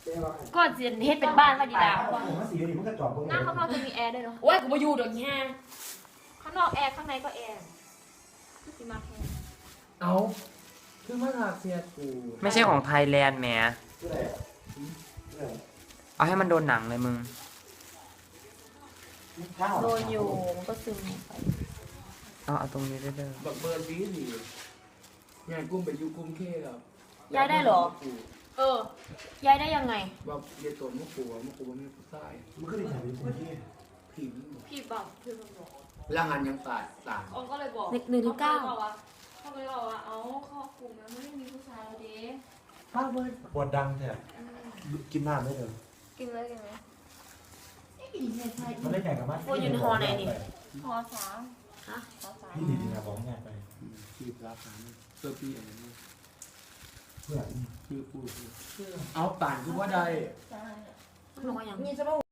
ก็จะเฮ็ดเป็นบ้านมาดีดาผมว่าสีนี้มันก็จอบหน้าข้างนอกจะมีแอร์ด้วยเนาะโอ้ยกูมาอยู่เดี๋ยวนี้ข้างนอกแอร์ข้างในก็แอร์คือสิมาแค่เอาคือมาถากเสียกูไม่ใช่ของไทยแลนด์แหมเอาให้มันโดนหนังเลยมึงโดนอยู่มันก็ซึมไปเอาตรงนี้ได้เลยบักเบิร์นดีดีงานกุ้มไปอยู่กุ้มเข้ครับย้ายได้เหรอ เออ ย้ายได้ยังไงแบบเยตัวมะกรูดมันไม่ผู้ชายมันก็ได้ถ่ายเป็นคนที่ผิวพี่บอกพี่บอกร่างงานยังตายต่างอองก็เลยบอก 1 ถึง 9 เขาก็เลยบอกว่าเอาเข้ากลุ่มแล้วไม่ได้มีผู้ชายแล้วเด้ป้าเบิร์นปวดดังแท้กินน้ำได้เลยกินเลยกินเลยมันได้แข่งกับมันพอสามฮะพอสามพี่ดีนะบอกง่ายไปชีพรับนั้นเพื่อพี่อะไรนี่เพื่อนชื่อพูดเอาป่านคือว่าใดบอกว่าอย่างมีจะมา